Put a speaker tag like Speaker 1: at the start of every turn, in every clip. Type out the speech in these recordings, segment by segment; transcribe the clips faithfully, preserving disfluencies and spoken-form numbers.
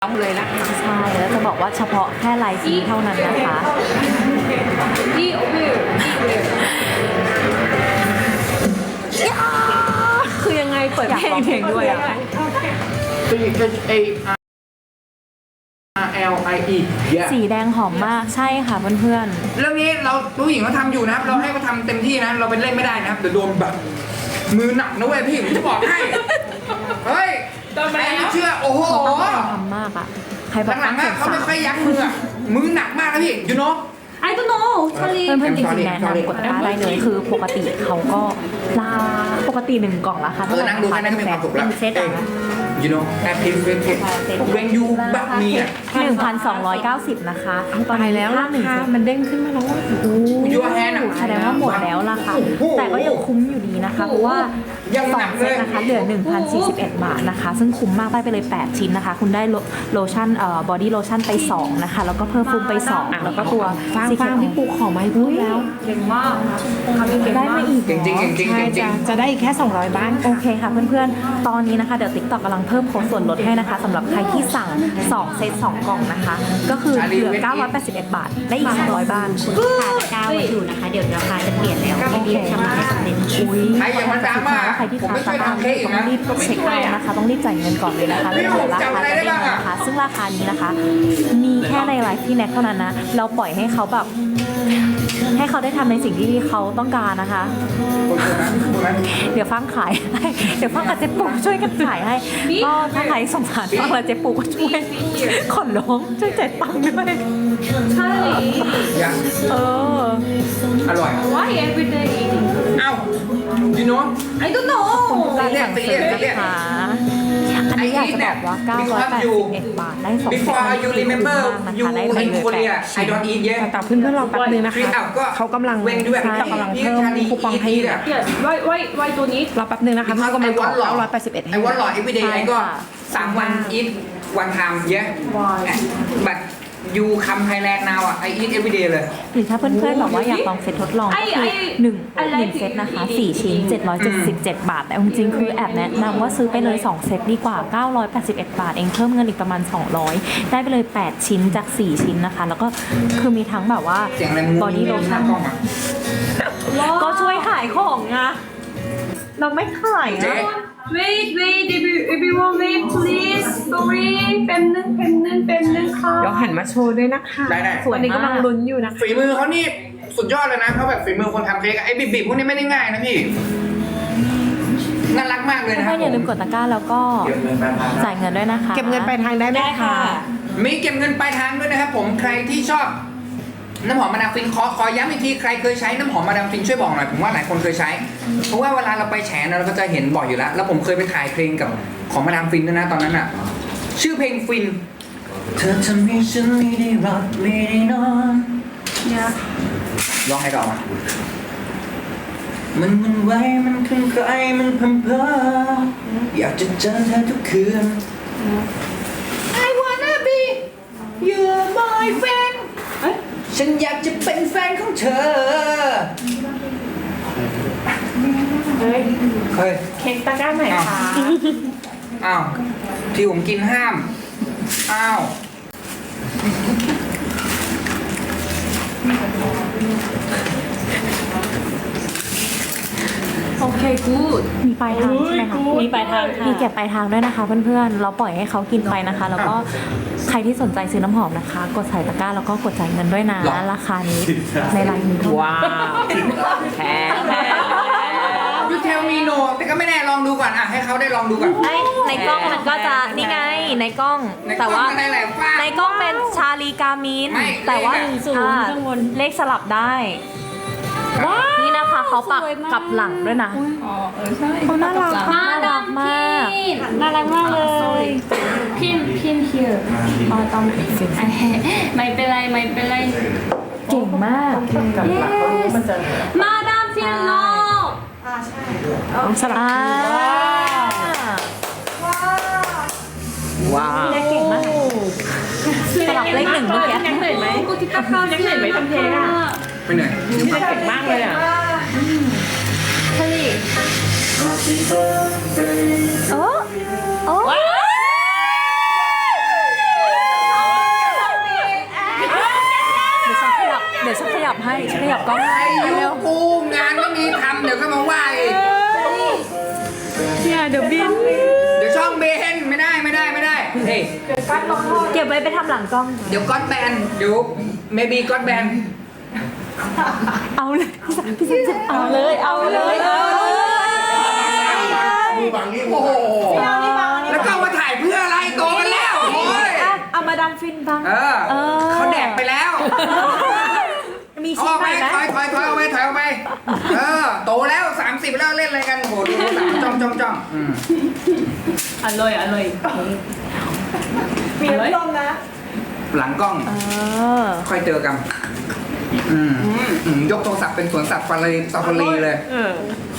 Speaker 1: ต้องเลยนะคะ
Speaker 2: ใช่แล้วจะบอกว่าเฉพาะแค่ลายสีเท่านั้นนะคะ
Speaker 1: นี่โอเคคือยังไงเปิดเพลงเพลงด้วยอ่ะ
Speaker 3: C H A R L I E
Speaker 2: สีแดงหอมมากใช่ค่ะเพื่อน
Speaker 3: เรื่องนี้เราผู้หญิงเขาทำอยู่นะครับเราให้เขาทำเต็มที่นะเราเป็นเล่นไม่ได้นะครับเดี๋ยวโดนแบบมือหนักนะเว้ยพี่ผมจะบอกให้เฮ้ยใครไม่เชื่อโอ้โห
Speaker 2: ๆเขาตั้งใจทำมากอ่ะใครบอก
Speaker 3: หลังๆอะเขาไม่ค่อยยั้งมืออะมือหนักมากนะพี่ยูโน่
Speaker 1: I don't know ชาลี
Speaker 2: เพื่อนๆจริงๆแนะนำกดตะกร้าได้เลยคือปกติเขาก็ลาปกติหนึ่งกล่องราคา
Speaker 3: เออนั่งดูแค่นั้นก็มีความสุขแล้ว
Speaker 2: เป็นเซตอะนะ
Speaker 3: ยูโน่แอปพลิเคชันเวงยูแบบนี้อะ
Speaker 2: หนึ่งพันสองร้อยเก้าสิบนะคะตอนนี้แล้วหนึ่ง
Speaker 1: มันเด้งขึ้นมาแล้วว่า
Speaker 3: ยูแฮนอะ
Speaker 2: แสดงว่าหมดแล้วล่ะค่ะแต่ก็ยังคุ้มอยู่ดีนะคะเพราะว่า
Speaker 3: ยัง
Speaker 2: สอ
Speaker 3: หนั
Speaker 2: ง
Speaker 3: ก
Speaker 2: เซ
Speaker 3: เล
Speaker 2: ต
Speaker 3: ย
Speaker 2: นะคะเหลือ หนึ่งพันสี่สิบเอ็ด บาทนะคะซึ่งคุ้มมากได้ไปเลยแปดชิ้นนะคะคุณได้โลชั่นเอ่อบอดี้โลชั่นไปสองนะคะแล้วก็เพิ่มฟูมไปสองแล้วก็ตัว
Speaker 1: ฟาง
Speaker 2: ซี
Speaker 1: ฟางพี่ปูขอมาให้พูดแล้วเก่งมาก
Speaker 2: ได้มาอีก
Speaker 3: จริงจริงจริงจริงจริง
Speaker 1: จะได้อีกแค่สองร้อยบ้าน
Speaker 2: โอเคค่ะเพื่อนๆ ตอนนี้นะคะเดี๋ยว TikTok กำลังเพิ่มโค้ดส่วนลดให้นะคะสำหรับใครที่สั่งสองเซตสองกล่องนะคะ ก็คือเหลือเก้าร้อยแปดสิบเอ็ด บาทได้อีกสองร้อยบ้าน
Speaker 4: ค่ะตะกร้าไว้อยู่นะคะ เดี๋ยวราคาจะเปลี่ยนแล้ว
Speaker 2: โอเค
Speaker 4: รีบทำให้สำเร็จ
Speaker 2: อุ้ย
Speaker 3: ใครอย่ามาดราม่า
Speaker 2: ใครที่
Speaker 3: ผม
Speaker 2: ทาน
Speaker 3: ไม่ช่วย
Speaker 2: ตาม
Speaker 3: ทำเค้กอีก
Speaker 2: ต้อง
Speaker 3: นะ
Speaker 2: รีบเช็คเอานะคะ ต้องรีบจ่ายเงินก่อนเลยนะคะแล้วเดี๋ยวราคาจะเด้งนะคะ ซึ่งราคานี้นะคะ มีแค่ในไลฟ์ที่แน็กเท่านั้นนะ เราปล่อยให้เขาแบบ ให้เขาได้ทำในสิ่งที่เขาต้องการนะคะ เดี๋ยวฟังขายให้เดี๋ยวฟังกับเจ๊ปูช่วยกันขายให้ ก็ถ้าใครสงสารฟังและเจ๊ปูก็ช่วยขอร้องช่วยจ่ายตังค์ด้วย
Speaker 1: ใช่
Speaker 3: ยัง
Speaker 2: เออ
Speaker 3: อร่อย
Speaker 1: Why every day eating
Speaker 3: เอ้ายูโน่
Speaker 1: I don't know
Speaker 2: การสั่งซื้อนะคะอันนี้อยากจะบอกว่าเก้าร้อยแปดสิบเอ็ด บาทได้สอง
Speaker 3: before you remember you
Speaker 2: ได้ไป
Speaker 3: in
Speaker 2: เลย
Speaker 3: Korea
Speaker 2: แปด
Speaker 3: I don't eat yet
Speaker 1: แต่เพื่อนๆรอแป๊บนึงนะคะ
Speaker 3: อ้าวก็
Speaker 1: เขากำลัง
Speaker 3: เว้งด้วย
Speaker 1: ใช่กำลังเพิ่มคูปองให้อยู่
Speaker 3: Yes
Speaker 1: why why why ตัวนี้รอแป๊บนึงนะคะเพื่อนกำลังกดเก้าร้อยแปดสิบเอ็ด
Speaker 3: ไอ้วันหล่อ every day ไอ้ก็สามวัน eat one time yeah but you come Thailand now อ่ะ I eat every day เลย
Speaker 2: หรือถ้าเพื่อนๆแบบว่าอยากลองเซตทดลองก็คือหนึ่งหนึ่งเซตนะคะสี่ชิ้นเจ็ดร้อยเจ็ดสิบเจ็ด บาทแต่จริงๆคือแอบแนะนำว่าซื้อไปเลยสองเซตดีกว่าเก้าร้อยแปดสิบเอ็ด บาทเองเพิ่มเงินอีกประมาณสองร้อยได้ไปเลยแปดชิ้นจากสี่ชิ้นนะคะแล้วก็คือมีทั้งแบบว่า
Speaker 3: เสียงอะไรมึง
Speaker 2: บอดี้โลชั่น
Speaker 3: กล้องอ่ะ
Speaker 2: ก็ช่วยขายของไงเราไม่ขาย
Speaker 3: เจ๊
Speaker 2: นะ
Speaker 1: wait wait everyone wait please sorry แป๊บนึงแป๊บนึงแป๊บนึงค่ะเดี๋ยวหันมาโชว์ด้วยนะคะ
Speaker 3: ได้ได้
Speaker 1: ส่วนนี้กำลังลุ้นอยู่นะคะ
Speaker 3: ฝีมือเขานี่สุดยอดเลยนะเขาแบบฝีมือคนทำเค้กอะไอ้บิบๆพวกนี้ไม่ได้ง่ายนะพี่น่ารักมากเลยนะค
Speaker 2: เพื่
Speaker 3: รั
Speaker 2: อบ นๆอย่าลืมกดตะกร้าแล้วก็จ่ายเงินด้วยนะคะ
Speaker 1: เก็บเงินปลายทางได้ไหมคะ
Speaker 3: มีเก็บเงินปลายทางด้วยนะครับผมใครที่ชอบน้ำหอมมาดามฟินขอขอย้ำอีกทีใครเคยใช้น้ำหอมมาดามฟินช่วยบอกหน่อยผมว่าหลายคนเคยใช้ เพราะว่าเวลาเราไปแฉนะเราก็จะเห็นบ่อยอยู่แล้ว แล้วผมเคยไปถ่ายเพลงกับของมาดามฟินด้วยนะตอนนั้นอ่ะ ชื่อเพลงฟินเธอทำให้ฉันไม่ได้รับไม่ได้นอนเนี่ยร้องให้ต่อมามันมันไว้มันคลั่งไคล้มันพันเพออยากจะเจอเธอทุกคืน I wanna be your boyfriend ฉันอยากจะเป็นแฟนของเธอ
Speaker 1: เฮ้ย
Speaker 3: เฮ้ย
Speaker 1: เค้กตะกร้าไหนคะ
Speaker 3: อ้าว ที่ผมกินห้าม อ้าว
Speaker 1: โอเค good
Speaker 2: มีปลายทางใช่ไหมคะ
Speaker 1: มีปลายทางค่ะ
Speaker 2: มีเก็บปลายทางด้วยนะคะเพื่อนๆ เราปล่อยให้เขากินไปนะคะ แล้วก็ใครที่สนใจซื้อน้ำหอมนะคะ กดใส่ตะกร้าแล้วก็กดจ่ายเงินด้วยนะ
Speaker 3: หรอ
Speaker 2: ราคานี้ในไลน์นี้เท่านั้น
Speaker 1: ว้าวแพง
Speaker 3: ยูเทลมีโนแต่ก็ไม่แน่ลองดูก่อนอ่ะให้เขาได้ลองดูก่อน
Speaker 2: ไอ้ในกล้องมันก็จะนี่ไงในกล้อง
Speaker 3: ในกล้อง
Speaker 2: แต่ว่า
Speaker 3: มันได้แหละฟ้า
Speaker 2: ในกล้องเป็นชาลีกามิน
Speaker 3: ไม่
Speaker 2: แต่ว่า
Speaker 3: เลขอะ
Speaker 1: ศูนย์
Speaker 2: อ่า
Speaker 1: ข้างบน
Speaker 2: เลขสลับได้นี่นะคะเขาปักกลับหลังด้วยนะ
Speaker 1: อ๋อเออใช่
Speaker 2: เขาน่ารัก
Speaker 4: มาดาม
Speaker 2: มาก
Speaker 4: พินน่ารักมากเลยพินพิน here อ๋อต้องไม่เป็นไรไม่เป็นไร
Speaker 2: เก่งมาก
Speaker 4: yes มาดามพินโล
Speaker 1: สลับ
Speaker 2: อ่า
Speaker 1: ว้าว
Speaker 2: พี่แน็กเก่งมากสลับเลขหนึ่งเมื่อกี้
Speaker 1: ยังเหนื่อยไหมกูที่ตะคายังเหนื่อยไหมทำเพลงอ่ะ
Speaker 3: ไม่เหนื่อย
Speaker 1: พี่แน็กเก่งมากเลยอ่ะ
Speaker 2: โอ้โอ้ให้ฉันขยับกล้อง
Speaker 3: ไอ้
Speaker 2: ให้
Speaker 3: ยู
Speaker 2: เร็ว
Speaker 3: กูงานไม่มีทำเดี๋ยวก็มาว่าอีก
Speaker 2: เนี่ยเดี๋ยวบิน
Speaker 3: เดี๋ยวช่องเบนไม่ได้ไม่ได้ไม่ได้เฮ้ย
Speaker 2: เก็บไว้ไปทำหลังกล้อง
Speaker 3: เดี๋ยวก็อดแบนเดี๋ยว maybe ก็อดแบน
Speaker 2: เอาเลยพี่สันพี่สันจะเอาเลยเอาเลยเอาเลย
Speaker 5: มือบังนี่
Speaker 3: โอ้โหแล้วก็เอามาถ่ายเพื่ออะไรโตกันแล้วโอ้ย
Speaker 2: อ่ะเอามาดามฟินบ้าง
Speaker 3: เออ
Speaker 2: เออ
Speaker 3: เขาแดกไปแล้ว
Speaker 2: มี
Speaker 3: เอา
Speaker 2: ชิ้
Speaker 3: อน อก
Speaker 2: ให
Speaker 3: ไป
Speaker 2: ม่ไหม
Speaker 3: ถอยถอยถอยเอาไปถอยเอาไปเออโตแล้วสามสิบแล้วเล่นอะไรกันโอ้โหดูสามจ้องจ้องจ้องอืม
Speaker 1: อร่อยอร่อยมีน้ำนมนะ
Speaker 3: หลังกล้อง
Speaker 2: เออ
Speaker 3: ค่อยเจอกันอืมอืมยกโทรศัพท์เป็นสวนสัตว์ฟารีซาฟารีเลย
Speaker 2: เออ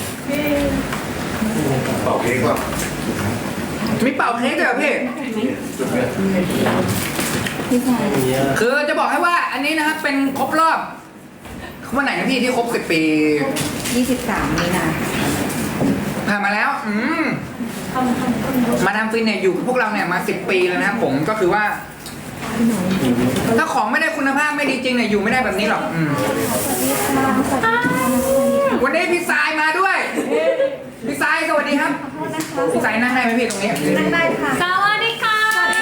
Speaker 5: เป่าเค้กว่ะ
Speaker 3: มีเป่าเค้กด้วยเหรอพี่คือจะบอกให้ว่าอันนี้นะครับเป็นครบรอบวันไหนนะพี่ที่ครบสิบปี
Speaker 6: ยี่สิบสามมีนา
Speaker 3: ผ่านมาแล้ว อืมมาดามฟินเนี่ยอยู่กับพวกเราเนี่ยมาสิบปีแล้วนะครับผมก็คือว่า ถ้าของไม่ได้คุณภาพไม่ดีจริงเนี่ยอยู่ไม่ได้แบบนี้หรอกอืมวันนี้พี่สายมาด้วย พี่สายสวัสดีครับ พี่สายนั่งได้ไหมพี่ตรงนี้
Speaker 6: นั่งได้ค่ะ
Speaker 4: สวัสดีค่ะ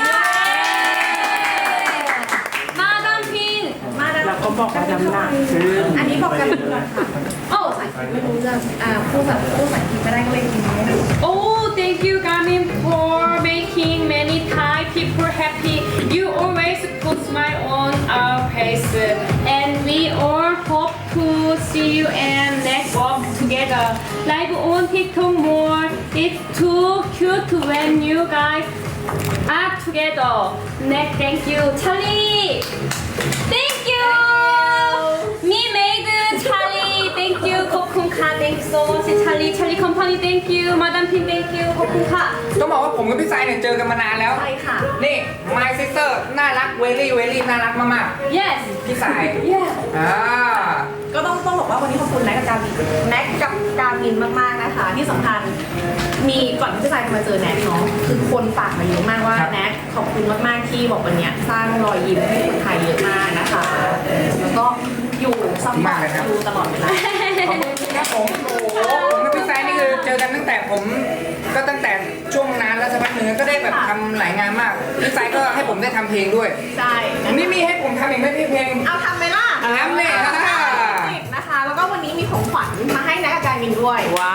Speaker 4: มาดามพิน
Speaker 6: มาแล้วเราก็บอกกันน้ำหนักอันนี้บอกกันค่ะ
Speaker 4: โอ้
Speaker 6: ไม่รู้จะอ่าพูดแบบพูดภาษาอังกฤษไม่ได้ก็เลยกินไม่ได้
Speaker 4: Oh, thank you, Garmin, for making many Thai people happy. You always put smile on our face, and we all hope to see you and next walk together. Live on TikTok more. It's too cute when you guys are together. Next, thank you, Charlie. Thank you. Me made Charlie. Thank you, Kokunka. Thank you so much, Charlie. Charlie Company. Thank you, Madam Pin. Thank you, Kokunka.
Speaker 3: ต้องบอกว่าผมกับพี่สายเนี่ยเจอกันมานานแล้ว
Speaker 6: ใช่ค่ะ
Speaker 3: นี่ my sister น่ารักเวลี่เวลี่น่ารักมาก
Speaker 4: Yes.
Speaker 3: ๆพี่สาย
Speaker 6: Yeah
Speaker 3: อ่า
Speaker 6: ก็ต้องต้องบอกว่าวันนี้ขอบคุณแม็กกับการมินแม็กกับการมินมากๆนะคะ ที่สำคัญมีก่อนที่จะมาเจอแน็กเนาะคือคนฝากมาเยอะมากว่าแน็กขอบคุณมากๆที่บอกวันเนี้ยสร้างรอยยิ้มให้คนไทยเยอะมากนะคะ แล้วก็อยู่ซัพพอร์ตดูตลอดเวลา
Speaker 3: ขอบคุณครับผมโอ้โหผมกับพี่สายนี่คือเจอกันตั้งแต่ผมก็ตั้งแต่ช่วงนานแล้วสักพักหนึ่งก็ได้แบบทำหลายงานมากพี่สายก็ให้ผมได้ทำเพลงด้วย
Speaker 6: ใช่
Speaker 3: นี่มีให้ผมทำอีกไหมพี่เพลง
Speaker 6: เอาทำไหมล่ะ
Speaker 3: ทำเลยนะ
Speaker 6: นะคะ แล้วก็วันนี้มีของขวัญมาให้แน็กกับการมินด้วย
Speaker 2: ว้าว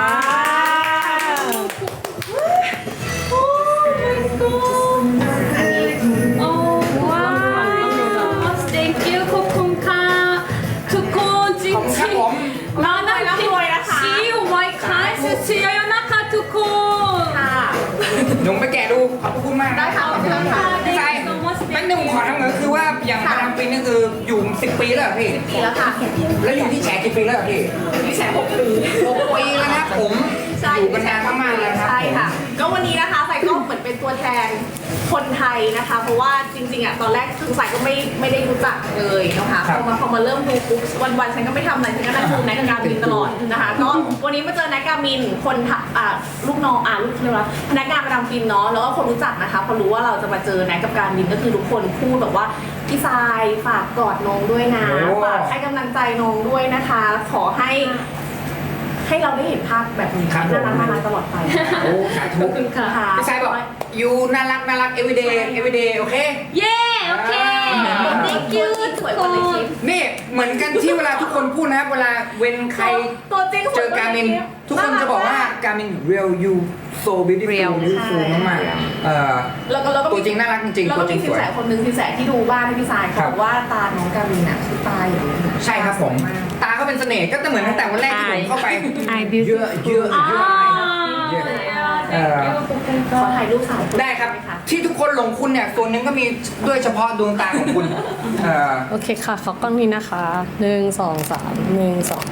Speaker 4: Oh, wow. Thank you, Kokunka. ทุกคนจริง
Speaker 3: ขอบคุณครับผม
Speaker 4: ๆมาดามพินซีไวคลาสเชียร์นะคะทุกคน
Speaker 6: ค่ะ
Speaker 3: หนุ่มไปแกะดูขอบคุณมาก
Speaker 6: ได้ค่ะขอบคุณค่ะ
Speaker 3: พี่สายแป๊บนึงผมขอทำเงินคือว่าอย่างมาดามฟินนี่คืออยู่สิบปีแล้วเหรอพี่
Speaker 6: ปีแล้วค่ะ
Speaker 3: แล้วอยู่ที่แฉกี่ปีแล้วเหรอพี่
Speaker 6: พี่แชร์หกปี
Speaker 3: หกปีแล้วนะครับผมอยู่กันนานมากๆเลยนะครับ
Speaker 6: ใช่ค่ะ ก็วันนี้นะคะใส่ก็เหมือนเป็นตัวแทนคนไทยนะคะ เพราะว่าจริงๆอ่ะตอนแรกคือใส่ก็ไม่ไม่ได้รู้จักเลยนะคะพอมาพอมาเริ่มดูปุ๊บวันๆฉันก็ไม่ทำอะไรฉันก็นั่งดูแนกการมินตลอดนะคะ ก็วันนี้มาเจอแนกการมินคนทะอ่าลูกน้องอ่าลูกเรียกว่าพนักงานประจำฟินเนาะแล้วก็คนรู้จักนะคะพอรู้ว่าเราจะมาเจอแนกกับการมินก็คือทุกคนพูดแบบว่าพี่ทรายฝากกอดน้องด้วยนะฝากให้กำลังใจน้องด้วยนะคะ ขอให้ ให้เราได้เห็นภาพแบบนี้
Speaker 3: ครับผม
Speaker 6: น่ารักน่ารักตลอดไป
Speaker 3: โอ้สาธุ
Speaker 6: ค่ะ
Speaker 3: พี่สายบอกอยู่น่ารักน่ารัก everyday everyday โอเค
Speaker 4: Yeah, okay. Thank you
Speaker 6: สวยกว่าในคลิป
Speaker 3: นี่เหมือนกันที่เวลาทุกคนพูดนะครับเวลาเว้นใคร
Speaker 6: ตัวจริง
Speaker 3: เจอการมินทุกคนจะบอกว่าการมิน real you so beautiful
Speaker 2: Real
Speaker 3: beautiful มากๆเอ่อ
Speaker 6: แล้วก็แล้วก็มี
Speaker 3: ตัวจริงน่ารักจริงๆ
Speaker 6: แล้วก็
Speaker 3: ตัวจริ
Speaker 6: มี
Speaker 3: ง
Speaker 6: สิ
Speaker 3: ส
Speaker 6: น
Speaker 3: วย
Speaker 6: แสคนหนึงสินแสที่ดูบ้านให้พี่สาย
Speaker 3: ครับ
Speaker 6: บอกว่าตาน้องการมินอ่ะคือตาอย่างนี้
Speaker 3: ใช่ครับผม ตาเขาเป็นเสน่ห์ก็จะเหมือนตั้งแต่วันแรกที่ผมเข้าไป
Speaker 2: Eye
Speaker 3: เยอะเยอะเยอะ
Speaker 4: Ah,
Speaker 3: Yeah.
Speaker 4: yeah,
Speaker 3: Uh,
Speaker 4: thank you,
Speaker 6: ขอถ่ายรูปสาวคน
Speaker 3: ได้ครับ
Speaker 6: หมะ
Speaker 3: ที่ทุกคนหลงคุณเนี่ยส่วนหนึงก็มีด้วยเฉพาะดวงตาของคุณเอ่อ
Speaker 7: โอเคค่ะขอกล้องนี้นะคะหนึ่งสองสามหนึ่งสอง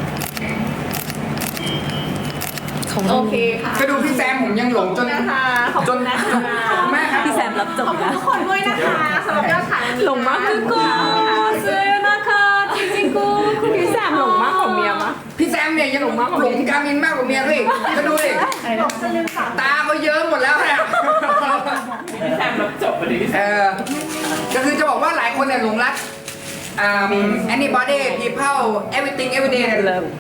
Speaker 7: ขอบ
Speaker 6: โอ
Speaker 7: คุณ
Speaker 6: เคค่ะ
Speaker 3: ก็ดูพี่แซมผมยังหลงจน
Speaker 6: นะคะขอบ
Speaker 3: จ
Speaker 6: คุ
Speaker 3: น
Speaker 6: ณนะคะ
Speaker 3: แม่ครับ
Speaker 2: พี่แซมรับจบ
Speaker 6: ขอบคุณ
Speaker 2: แล้ว
Speaker 6: ทุกคนด้วยนะคะสำหรับยอดขายวันนี้
Speaker 7: หลงมาก
Speaker 6: นะ
Speaker 7: ทุกคน
Speaker 4: สวยนะคะจริงๆกู
Speaker 7: พี่แซมหลงมากของเมียมะ
Speaker 3: พี่แซมเนี่ยยังหลงหลงการมินมากกว่าเมียพี่ก็ดูดิตาเขาเยิ้มหมดแล้วเนี่ยพี่แซมรับจบพอดีเออก็คือจะบอกว่าหลายคนเนี่ยหลงรัก um, anybody people everything every day